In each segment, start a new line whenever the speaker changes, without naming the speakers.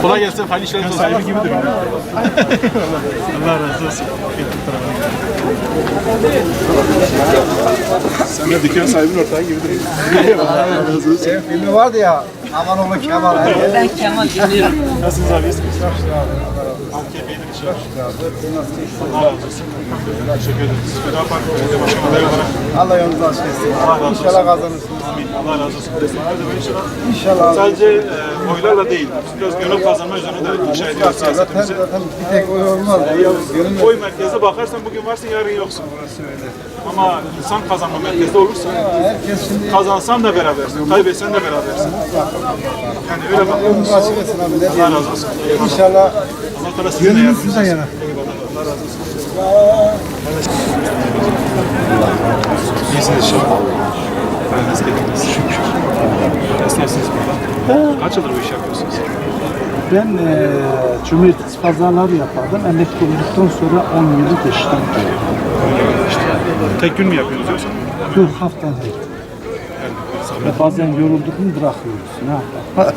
Kolay gelsin, hayırlı işler olsun.
Sahibi gibi duruyor. Allah razı olsun. Sen de dükkan sahibinin ortağı gibi duruyorsun. Allah razı olsun.
Filmi vardı ya, aman oğlu Kemal.
Ben Kemal dinliyorum.
Nasılsınız abi? İyisiniz? AKP'nin işi var. Allah razı olsun. Teşekkür ederiz. Feda Park Belediye Başkanı adayı olarak.
Allah yolunuzu açık etsin.
Allah razı olsun.
İnşallah kazanırsınız.
Amin. Allah razı olsun. Destekler de inşallah.
İnşallah.
Sadece oylarla değil, biraz gönül kazanma üzerine de inşa ediyoruz siyasetimizi.
Zaten bir tek oy olmaz. Gönül
Oy merkezde bakarsan bugün varsın, yarın yoksun. Ama insan kazanma merkezde olursa,
herkes şimdi
kazansan da berabersin, kaybetsen de berabersin. Yani öyle bak.
yolunuzu açık etsin abi. Ne
Allah
diyelim.
razı olsun.
İnşallah
Allah Teala sizin de
gönlünüz
yardımcınız
sizden
olsun.
yana.
Allah razı olsun. İyisiniz inşallah. Ben nasıl geldiniz? Şükür. Esnafsınız burada. Kaç yıldır bu işi yapıyorsunuz?
Ben cumartesi pazarları yapardım. Emekli olduktan sonra 10 yılı geçtim.
Tek gün mü yapıyorsunuz yoksa?
Dur haftada. Bazen yorulduk mu bırakıyoruz. Ne yapalım?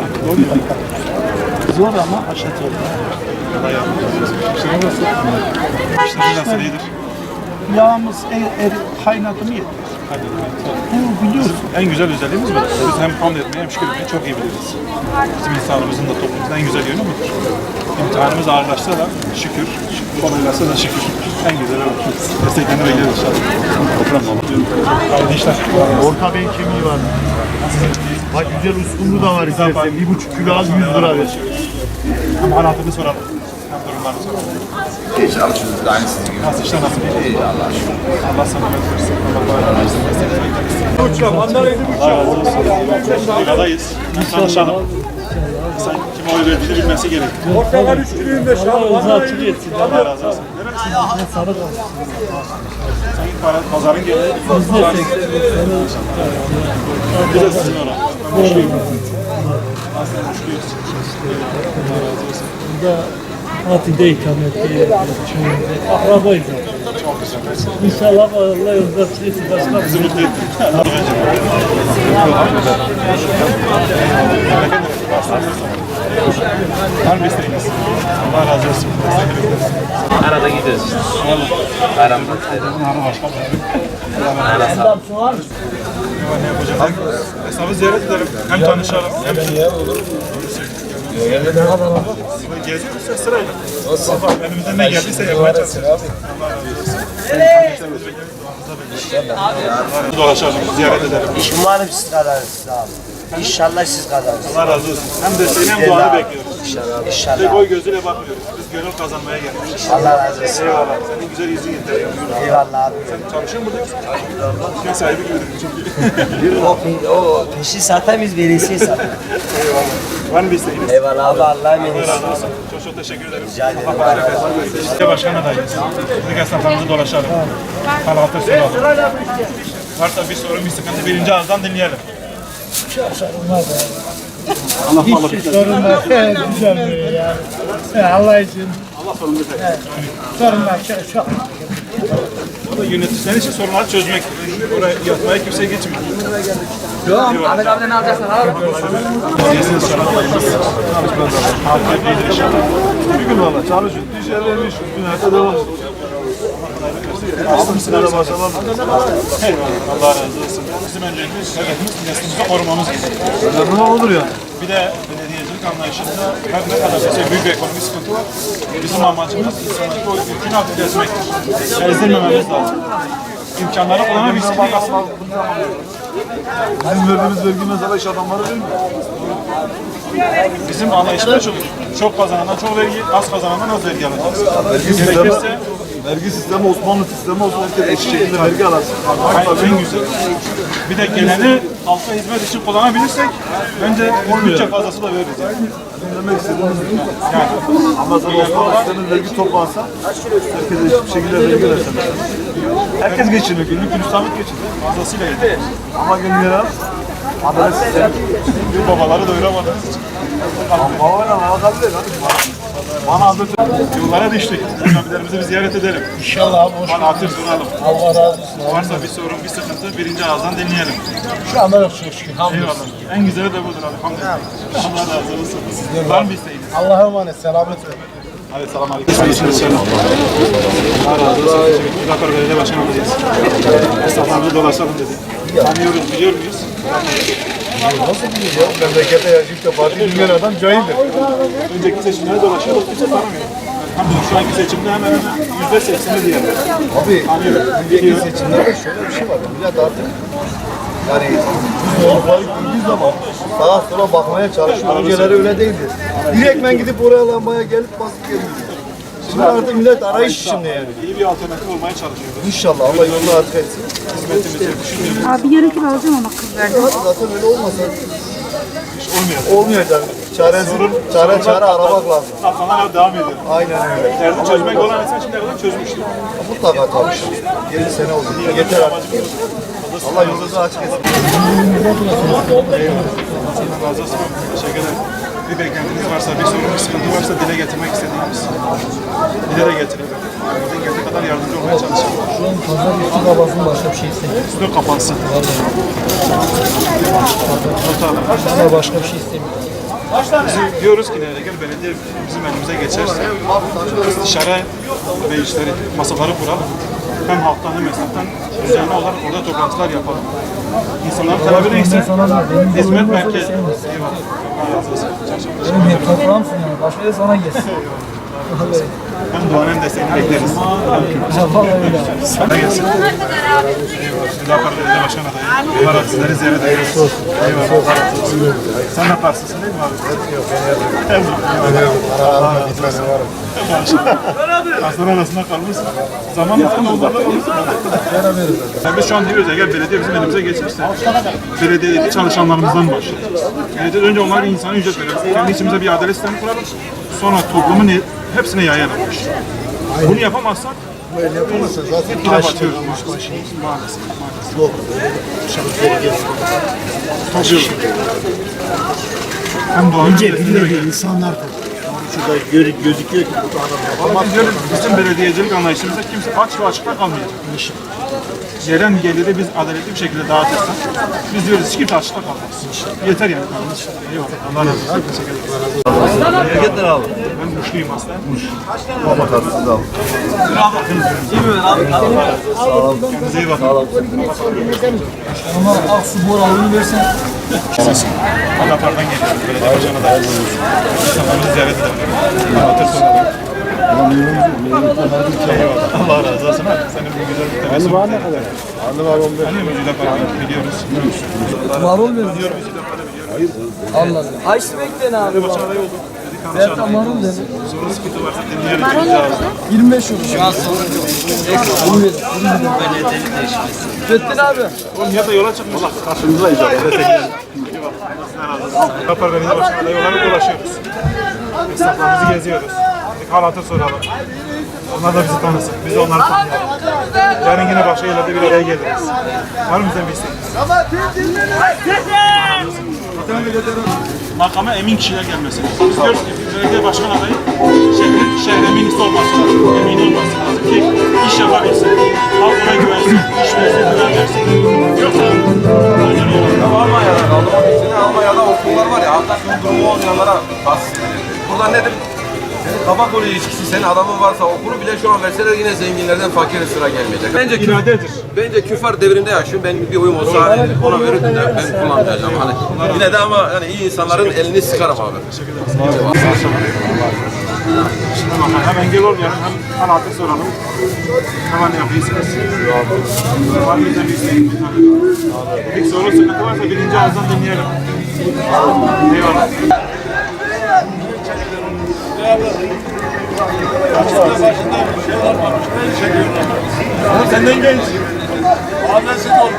Zor ama aşağı
Allah yardımcınız olsun. İşler nasıl iyidir?
Yağımız kaynadı mı yeter? Bu biliyorsun.
En güzel özelliğimiz bu. Biz hem hamd etmeyi hem şükür etmeyi çok iyi biliriz. Bizim insanımızın da toplumumuzun en güzel yönü budur. İmtihanımız ağırlaşsa da şükür, kolaylaşsa da şükür. En güzeli o. Desteklerini bekleriz inşallah. Toprağım baba. Hayırlı işler.
Orta Bey'in kemiği var. Bak güzel uskumru da var istersen. 1,5 kilo al 100 lira ver.
Hem halatını soralım. Hem durumlarını soralım.
Hiç alışıyoruz aynı sizin gibi.
Nasıl işler nasıl?
İyi Allah aşkına.
Allah sana ömür versin. Allah bağışlasın. Desteklerini bekleriz.
Uçak, mandalina
Allah razı olsun. Ligadayız. Tanışalım. Sen kime oy verdiğini bilmesi gerek.
Portakal 3 kilo 25 abi.
Allah razı olsun. Neresi? Sen pazarın geliyor. Bir de sizin orada. Aslında müşküyüz. Allah razı olsun.
Fatih'de ikamet akrabayız.
Çok güzel.
İnşallah Allah yolda çıkırsın başka
Bizi mutlu ettin. Var mı isteğiniz? Allah razı olsun.
Arada gidiyoruz. Bayramda.
Ne yapacağız? Hesabı ziyaret edelim. Hem tanışalım hem geziyoruz ya sırayla. Sabah elimizden ne geldiyse yapmaya çalışıyoruz. Dolaşalım, ziyaret edelim.
Umarım siz kazanırsınız abi. İnşallah siz kazanırsınız.
Allah razı olsun. Hem desteğini hem duanı bekliyoruz.
İnşallah.
Tek
İnşallah.
oy gözüyle bakmıyoruz. Biz gönül kazanmaya geldik.
Allah razı olsun.
Eyvallah. Senin güzel yüzünü yeter.
Eyvallah abi.
Sen çalışıyor musun burada? Dükkan sahibi gibidir çünkü.
O peşi zaten biz veresiye zaten.
Var mı bir isteğiniz?
Eyvallah abi. Allah'a
Allah
emanet
razı olsun. Çok çok teşekkür ederim.
Rica ederim.
Allah bereket versin. İşte başkan adayıyız. Biz esnaflarımızı dolaşalım. Hal-hatır soralım. Varsa bir sorun, bir sıkıntı birinci ağızdan dinleyelim. Allah sağlık.
Sorunlar düzelmiyor yani. Allah için.
Allah sorumlu tek.
Sorunlar çok.
O da yöneticiler için sorunları çözmek. Oraya yatmaya kimse geçmiyor.
Ahmet abiden ne alacaksın?
Yesiniz inşallah. AKP'dir inşallah.
Bir gün valla çalışın. Dışarıda günlerde devam. Sigara başlamam.
Allah razı olsun. Bizim önceliğimiz, hedefimiz neslimizi korumamız gerekiyor.
Ne olur ya?
Bir de belediyecilik anlayışında her ne kadar bize büyük bir ekonomik sıkıntı var. Bizim amacımız insanları o yükün altına ezmektir. Ezdirmememiz lazım. İmkanları kullanabilsek aslında.
Bizim verdiğimiz vergi mesela iş adamları değil mi?
Bizim anlayışımız çok kazanandan çok vergi, az kazanandan az vergi alacağız.
Vergi sistemi Osmanlı sistemi olsun. Herkes eşit şekilde vergi alasın.
En güzel. Bir de geleni halka hizmet için kullanabilirsek bence bütçe fazlası da veririz. Yani.
Demek istediğimiz ama sen Osmanlı sisteminin vergi toplansa herkes eşit bir şekilde vergi versin. Herkes geçiniyor. Günlük gülistanlık geçiniyor.
Fazlasıyla yeter.
Ama gelmeyen adalet sistemi.
Babaları doyuramadığınız için.
Babayla alakalı değil.
Bana anlatın. Yollara düştük. Abilerimizi bir ziyaret edelim.
İnşallah abi.
Bana hatır soralım.
Allah razı olsun.
Varsa bir sorun, bir sıkıntı birinci ağızdan dinleyelim.
Şu anda yok çok şükür.
Eyvallah. En güzeli de budur abi. Hamdolsun. Allah razı olsun. Var mı isteğiniz?
Allah'a emanet. Selamet olun.
Hadi selam aleyküm. Allah razı olsun. Uzaklar Belediye Başkanı olacağız. Esnaflarımızı dolaşalım dedi. Tanıyoruz, biliyor muyuz?
Nasıl biliyor ya? Memlekete yaşayıp da parti bilmeyen adam cahildir.
Önceki seçimlere dolaşıyorduk, kimse tanımıyor. Hamdolsun şu anki seçimde hemen hemen %80'i diyelim.
Abi önceki seçimlerde şöyle bir şey var. Millet artık yani zorlukları gördüğü zaman sağa sola bakmaya çalışıyor. Önceleri öyle değildi. Direktmen gidip oraya lambaya gelip basıp geliyor. Şimdi artık millet arayış içinde yani.
İyi bir alternatif olmaya çalışıyoruz.
İnşallah Allah yolunu açık etsin.
Hizmetimizi düşünüyoruz.
Abi yarım kilo alacağım ama kız verdi.
Zaten öyle olmasa
Olmuyor.
olmayacak. Çare aramak lazım.
Afganlar devam ediyor.
Aynen öyle.
Derdi çözmek olan insan şimdiye kadar çözmüştür.
Mutlaka çalışır. 7 sene oldu. Yeter artık. Allah yolunuzu açık etsin.
Allah razı olsun. Teşekkür ederim. Bir beklentiniz varsa, bir sorun, bir sıkıntı varsa dile getirmek istediğimiz. Dile de getirelim. Elimizden geldiği kadar yardımcı olmaya çalışalım.
Şu an pazar üstü babasının başka bir şey istemiyor.
Üstüne kapansın.
Bizden başka bir şey istemiyor.
Biz diyoruz ki eğer belediye bizim elimize geçerse istişare ve işleri, masaları kuralım. Hem halktan hem esnaftan düzenli olarak orada toplantılar yapalım. İnsanların talebi neyse hizmet merkezi. Eyvallah. Allah razı olsun.
Benim hep toprağımsın yani. Başka da sana gelsin.
Hem duanın hem desteğini bekleriz.
Vallahi öyle.
Sana gelsin. Müdafaa Belediye Başkanı adayı. Allah razı olsun. Sizleri ziyaret ediyoruz. Eyvallah. Sen de Parslısın değil mi abi? Yok, ben Aslan arasında kalmışsın. Zamanla olmalı. Yani biz şu an diyoruz eğer belediye bizim elimize geçmişse belediyedeki çalışanlarımızdan başlayalım. Belediye önce onlara insani ücret verelim. Kendi içimize bir adalet sistemi kuralım. Sonra toplumun hepsine yayalım. Bunu yapamazsak
Böyle yapamazsa zaten
bir batıyoruz. Maalesef. Taşıyoruz. Hem doğanın
bilmediği insanlar şurada gözüküyor ki bu adam
ama biz diyoruz bizim belediyecilik anlayışımızda kimse aç ve açıkta kalmayacak. Gelen geliri biz adaletli bir şekilde dağıtırsak biz diyoruz hiç kimse açıkta kalmaz. Yeter yani. Eyvallah. Allah razı olsun. Teşekkür ederim.
Memleketler abi.
Ben Muşluyum aslında. Muş.
Baba tatlısız abi.
Kendinize iyi bakın.
Ama Aksu Boralı'nı versen.
Adapar'dan geliyoruz. Belediye başkanı da. İnsanlarımızı ziyaret edelim. Anlatır soralım. Eyvallah. Allah razı olsun. Senin bu güzel bir tebessüm.
Var ne kadar? Anlı var 15.
Hani Müjde Park'ı biliyoruz.
Var olmuyor.
Biliyor Müjde Park'ı biliyoruz.
Anladım. Ayşe bekleyin abi.
Başkan adayı olduk. Dedik
Ben
anlaşalım.
marul dedim.
Sorun sıkıntı varsa dinleyelim.
25 olur. Şu an Fettin abi.
Oğlum ya da yola çıkmış. Allah karşımızdayız abi. Kapar Belediye Başkanı adayı olarak dolaşıyoruz. Esnaflarımızı geziyoruz. Dedik hal hatır soralım. Onlar da bizi tanısın. Biz de onları tanıyalım. Yarın yine başka yerlerde bir araya geliriz. Var mı bizden bir isteğiniz? Makama emin kişiler gelmesi. Biz diyoruz ki belediye başkan adayı şehre eminisi olması lazım. Emin olması lazım ki iş yapabilsin. Halk ona güvensin. İş versin, güven versin. Yoksa
Almanya'da okullar var ya, hakikaten durumu olmayanlara tahsis edilir. Burada nedir? Senin kafa kolu ilişkisi, senin adamın varsa okulu bile şu an verseler yine zenginlerden fakire sıra gelmeyecek. Bence küfar devrinde yaşıyorum. Ben bir oyum olsa hani ona verirdim de ben kullanmayacağım. Hani yine de ama hani iyi insanların elini sıkarım abi.
şimdi bakın hem engel olmayalım hem hal hatır soralım. Hemen yapıyorsunuz. Var mı bizden bir isteğiniz? Bir sorun sıkıntı varsa birinci ağızdan dinleyelim. Eyvallah. Senden genç. Adresi doğru.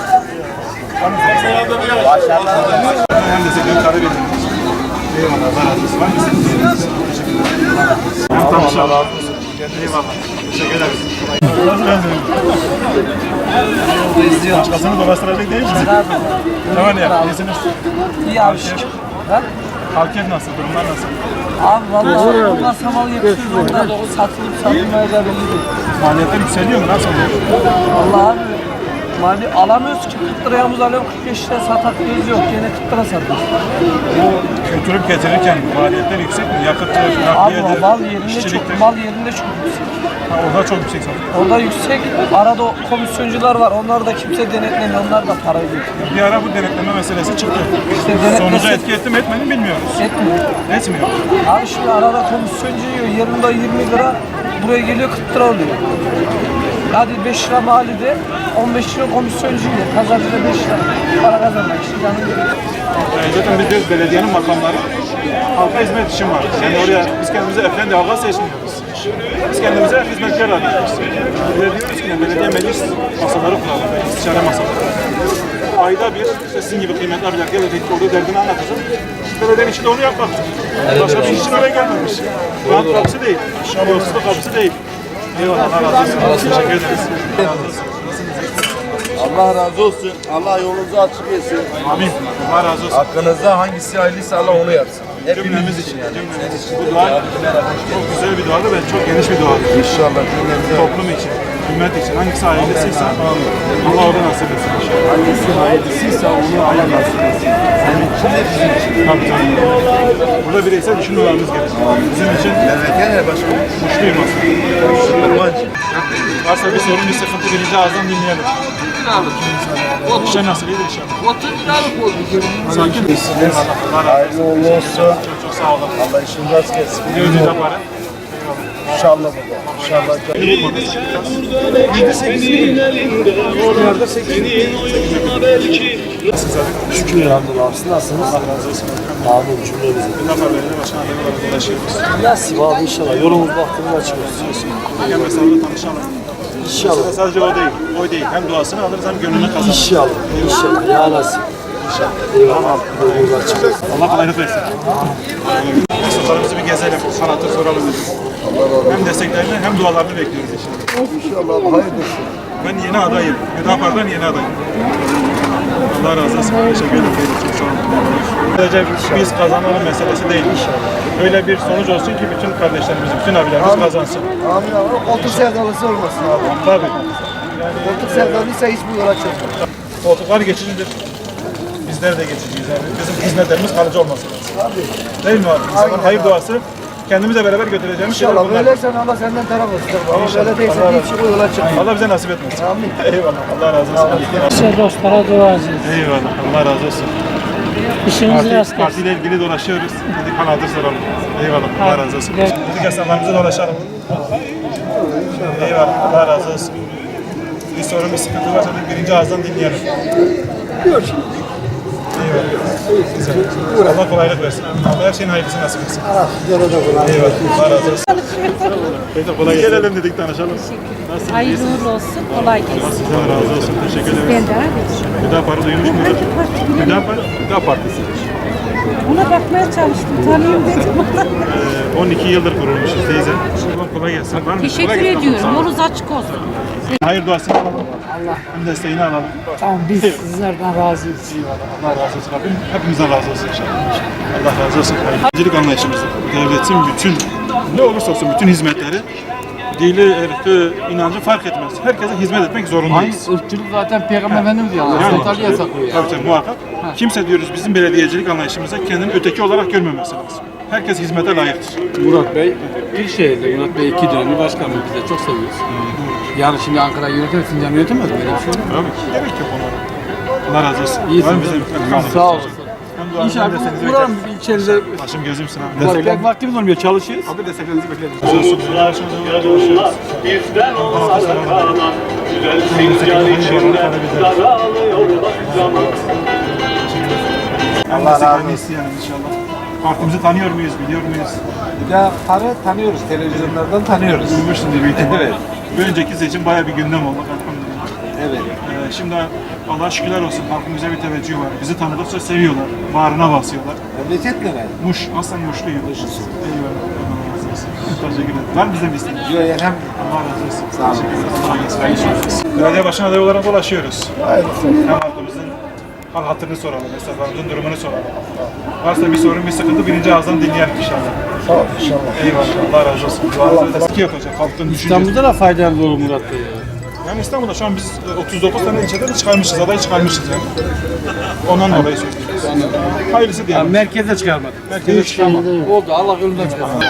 Hem de senin karı verin. Eyvallah. Allah razı olsun. Var mı isteğiniz? Teşekkür ederim. Hem tanışalım. Eyvallah. Teşekkür ederiz. Başkasını dolaştıracak değil misin? Tamam ya. İyisiniz.
İyi abi şükür.
Halkef nasıl? Durumlar nasıl?
Abi vallahi onlar samal yapıyoruz. Onlar da satılıp satılmayacağı belli değil.
Maliyetler yükseliyor mu? Nasıl oluyor?
Vallahi abi mali alamıyoruz ki 40 liraya muz alıyorum 45 liraya satatıyoruz yok. Gene 40 lira satıyoruz.
Bu götürüp getirirken maliyetler yüksek mi? Yakıttır,
Abi
nakliyedir,
mal yerinde çok,
işçiliktir.
mal yerinde çok yüksek.
Ha, orada çok yüksek satıyor.
Orada yüksek, arada komisyoncular var. Onlar da kimse denetlemiyor. Onlar da parayı getiriyor.
Bir ara bu denetleme meselesi çıktı.
İşte denetleme-
Sonuca etki etti mi etmedi mi bilmiyoruz.
Etmiyor.
Etmiyor.
Abi şimdi arada komisyoncu yiyor. Yarında 20 lira, buraya geliyor 40 lira oluyor. Hadi 5 lira malide, 15 lira komisyoncu yiyor. Pazarcıda 5 lira para kazanmak işte canım geliyor.
Zaten biz diyoruz belediyenin makamları halka hizmet için var. Yani oraya biz kendimize efendi halka seçmiyoruz. Biz kendimize hizmetkar arıyoruz. Biz de diyoruz ki belediye meclis masaları kuralım, istişare masaları. Ayda bir işte sizin gibi kıymetli abiler gelecek orada derdini anlatacak. Belediyenin içinde onu yapmaktır. Başka bir iş için oraya gelmemiş. Rant kapısı değil, yolsuzluk kapısı değil. Eyvallah, Allah razı olsun. Teşekkür ederiz.
Allah razı olsun. Allah yolunuzu açık etsin.
Amin. Allah razı olsun.
Hakkınızda hangisi hayırlıysa Allah onu yapsın.
Cümlemiz için yani. Bu dua çok güzel bir duadır ve çok geniş bir duadır.
İnşallah cümlemize.
Toplum için, ümmet için hangisi hayırlısıysa Allah orada nasip etsin inşallah.
Hangisi hayırlısıysa onu Allah nasip etsin. Senin için de bizim için.
Tabii tabii. Burada bireysel düşünmelerimiz gerekiyor. Bizim için
Memleket ne başkanım?
mutluyum aslında.
Kurbancı.
Varsa bir sorun, bir sıkıntı birinci ağızdan dinleyelim. İşler nasıl iyidir inşallah.
30 liralık oldu.
Sakin. Allah razı
Hayırlı
olsun.
uğurlu olsun.
Çok sağ olun.
Allah işini rast gelsin.
Bir ödül de para.
İnşallah baba. İnşallah.
Şükür elhamdülillah. Siz nasılsınız?
Allah razı olsun.
Amin cümlemize.
Bir defa belediye başkan adayı olarak ulaşıyoruz.
Nasip abi inşallah. Yolumuz baktığımız açık olsun.
Gel mesela tanışalım.
İnşallah.
Sadece o değil, o değil. Hem duasını alırız hem gönlünü kazanırız.
İnşallah. İnşallah. Ya nasip. İnşallah. Eyvallah. Yolumuz açık olsun.
Allah kolaylık versin. Sorularımızı bir gezelim, sanatı soralım dedik. Hem desteklerini hem dualarını bekliyoruz inşallah.
İnşallah hayırlısı.
Ben yeni adayım. Hüdapar'dan yeni adayım. Allah razı olsun. Teşekkür ederim. Çok sağ olun. Sadece biz kazanalım meselesi değil. Öyle bir sonuç olsun ki bütün kardeşlerimiz, bütün abilerimiz kazansın.
Amin abi. Koltuk sevdalısı olmasın abi.
Tabii.
Koltuk sevdalıysa hiç bu yola çıkmaz.
Koltuklar geçicidir. Bizler de geçiciyiz. Yani bizim hizmetlerimiz kalıcı olması lazım. Değil mi abi? İnsanın hayır duası kendimizle beraber götüreceğimiz şeyler
İnşallah
bunlar.
böyleysen Allah senden taraf olsun. Ama böyle değilse hiç bu yola çıkmaz.
Allah bize nasip etmesin.
Amin.
Eyvallah. Allah razı olsun.
Şey dostlara dua edeceğiz.
Eyvallah. Allah razı olsun.
İşinizi rast gelsin.
Partiyle ilgili dolaşıyoruz. Dedik kanadır soralım. Eyvallah. Allah razı olsun. Dedik esnaflarımıza dolaşalım. Eyvallah. Allah razı olsun. Bir sorun, bir sıkıntı varsa dedik birinci ağızdan dinleyelim. Eyvallah. Güzel. Allah kolaylık versin. Allah her şeyin hayırlısı nasip etsin. Eyvallah. Allah razı olsun. Beyler kolay gelsin. Gelelim dedik tanışalım. Nasılsınız?
Hayırlı uğurlu olsun. Kolay gelsin.
Allah sizden razı olsun. Teşekkür ederiz.
Ben de abi.
Hüdapar'ı duymuş mudur? Hüdapar Partisi.
Ona bakmaya çalıştım. Tanıyayım dedim.
12 yıldır kurulmuşuz teyze. Kolay gelsin. Var mı?
Teşekkür
Kolay gelsin.
ediyorum. Yolunuz açık olsun.
Hayır duasını alalım. Hem desteğini alalım.
Tamam biz sizlerden razıyız.
Eyvallah. Allah razı olsun Rabbim. Hepimizden razı olsun inşallah. Allah razı olsun. Hayırcılık anlayışımızda devletin bütün ne olursa olsun bütün hizmetleri dili, ırkı, inancı fark etmez. Herkese hizmet etmek zorundayız.
Irkçılık zaten Peygamber Efendimiz diyor.
Yani, yasaklıyor. Tabii muhakkak. Kimse diyoruz bizim belediyecilik anlayışımızda kendini öteki olarak görmemesi lazım. Herkes hizmete layıktır.
Murat Bey, Büyükşehir'de Murat Bey 2 dönemli başkanımız, biz de çok seviyoruz. Yani şimdi Ankara'yı yönetir, Sincan yönetemez mi? Öyle bir şey olur mu?
Tabii ki. Gerek yok onlara. Allah razı olsun.
İyisin.
Var mı bize
Sağ olasın. İnşallah buranın bir içeride
Başım gözümsün abi.
pek vaktimiz olmuyor, çalışıyoruz.
Abi desteklerinizi bekleriz. Razı olsun.
Bizden olsa kalan güzel fincan içinde daralıyor zaman.
Allah razı olsun. İnşallah. Partimizi tanıyor muyuz, biliyor muyuz?
Ya tanıyoruz. Televizyonlardan tanıyoruz.
Duymuşsunuz büyük ihtimalle.
Evet.
Bir önceki seçim bayağı bir gündem oldu. Elhamdülillah.
Evet.
Şimdi Allah'a şükürler olsun. Halkımıza bir teveccüh var. Bizi tanıdıkça seviyorlar. Bağrına basıyorlar.
Memleket ne?
Muş, aslen Muşluyum. Eyvallah. Allah razı olsun. Teşekkür ederim. Var mı bize bir isteğiniz?
Yok hem
Allah razı olsun. Sağ olun. Teşekkür ederiz. Belediye başkan adayı olarak dolaşıyoruz. Hem halkımızın hal hatırını soralım, esnaflarımızın durumunu soralım. Varsa bir sorun, bir sıkıntı birinci ağızdan dinleyelim inşallah.
Sağ ol inşallah.
Eyvallah, Allah razı olsun. Duanızı da sıkı yapacak halkın düşüncesi.
İstanbul'da da faydalı olur Murat Bey ya.
Yani İstanbul'da şu an biz 39 tane ilçede de çıkarmışız, aday çıkarmışız yani. Ondan dolayı söylüyoruz. Hayırlısı
Ya
diyelim.
merkeze çıkarmadık.
Merkeze çıkarmadık.
Oldu, Allah yolundan çıkarsın.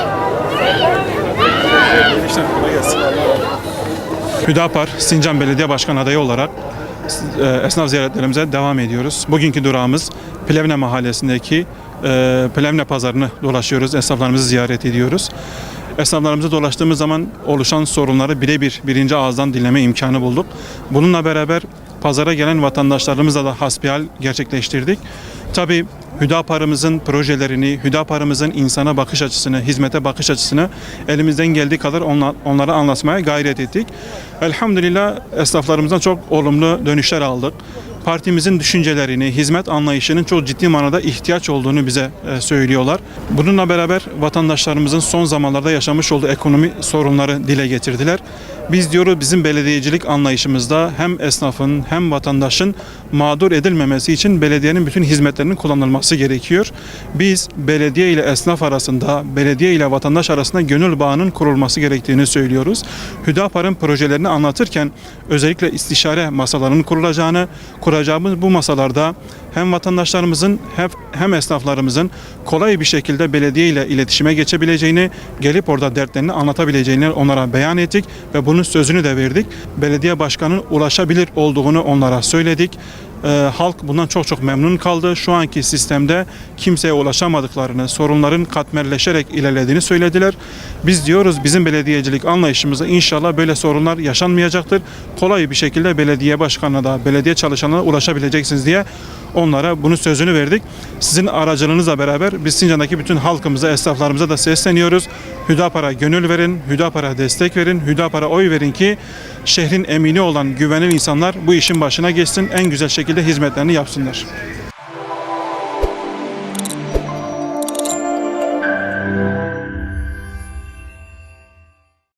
İşte kolay gelsin. Hüdapar, Sincan Belediye Başkan adayı olarak esnaf ziyaretlerimize devam ediyoruz. Bugünkü durağımız Plevne Mahallesi'ndeki Plevne Pazarı'nı dolaşıyoruz. Esnaflarımızı ziyaret ediyoruz. Esnaflarımızı dolaştığımız zaman oluşan sorunları birebir birinci ağızdan dinleme imkanı bulduk. Bununla beraber pazara gelen vatandaşlarımızla da hasbihal gerçekleştirdik. Tabii Hüdapar'ımızın projelerini, Hüdapar'ımızın insana bakış açısını, hizmete bakış açısını elimizden geldiği kadar onlara anlatmaya gayret ettik. Elhamdülillah esnaflarımızdan çok olumlu dönüşler aldık. Partimizin düşüncelerini, hizmet anlayışının çok ciddi manada ihtiyaç olduğunu bize söylüyorlar. Bununla beraber vatandaşlarımızın son zamanlarda yaşamış olduğu ekonomi sorunları dile getirdiler. Biz diyoruz bizim belediyecilik anlayışımızda hem esnafın hem vatandaşın mağdur edilmemesi için belediyenin bütün hizmetlerinin kullanılması gerekiyor. Biz belediye ile esnaf arasında, belediye ile vatandaş arasında gönül bağının kurulması gerektiğini söylüyoruz. Hüdapar'ın projelerini anlatırken özellikle istişare masalarının kuracağımız bu masalarda hem vatandaşlarımızın hem esnaflarımızın kolay bir şekilde belediye ile iletişime geçebileceğini, gelip orada dertlerini anlatabileceğini onlara beyan ettik ve bunun sözünü de verdik. Belediye başkanının ulaşabilir olduğunu onlara söyledik. Halk bundan çok memnun kaldı. Şu anki sistemde kimseye ulaşamadıklarını, sorunların katmerleşerek ilerlediğini söylediler. Biz diyoruz bizim belediyecilik anlayışımızda inşallah böyle sorunlar yaşanmayacaktır. Kolay bir şekilde belediye başkanına da, belediye çalışanına ulaşabileceksiniz diye onlara bunun sözünü verdik. Sizin aracılığınızla beraber biz Sincan'daki bütün halkımıza, esnaflarımıza da sesleniyoruz. Hüdapar'a gönül verin, Hüdapar'a destek verin, Hüdapar'a oy verin ki şehrin emini olan güvenilir insanlar bu işin başına geçsin, en güzel şekilde hizmetlerini yapsınlar.